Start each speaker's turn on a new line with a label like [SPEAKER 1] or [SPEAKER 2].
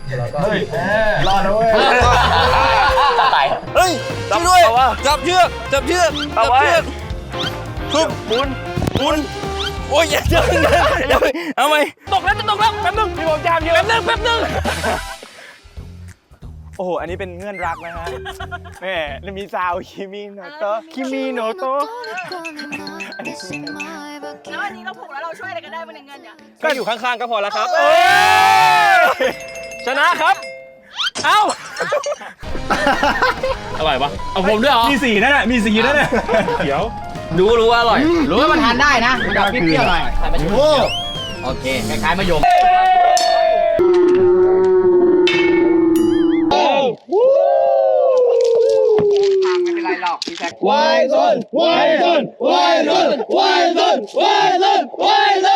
[SPEAKER 1] เฮ้ยรอดนะเว้ย
[SPEAKER 2] จับไปเฮ้ยช่วยด้วยจับเชือกจับเชือกจับเชือกทุบหมุนโอ้ยอย่าเอาไหมตกแล้วจะตกแล้วแป๊บนึงพี่ผมจามอยู่แป๊บนึงโอ้โหอันนี้เป็นเงื่อนรักนะฮะแม่มีซาวคิมิโนโตะ
[SPEAKER 3] แล้วอันนี้เราผูกแล้วเราช่วยอะไรกันได้บ้างในเงินเนี่ย
[SPEAKER 2] ก็อยู่ข้างๆก็พอแล้วครับชนะครับเอ้าอร่อยปะเอาผมด้วยเหรอ
[SPEAKER 1] มีสีนั่นแหละมีสีนั่นแหละเขียว
[SPEAKER 2] รู้ว่าอร่อย
[SPEAKER 4] รู้ว่ามันทานได้นะมันแบบเปรี้ยวๆหน่อยโอเคคล้ายๆมะยมไม่เป็นไรหรอกพี่แซค
[SPEAKER 1] วายซน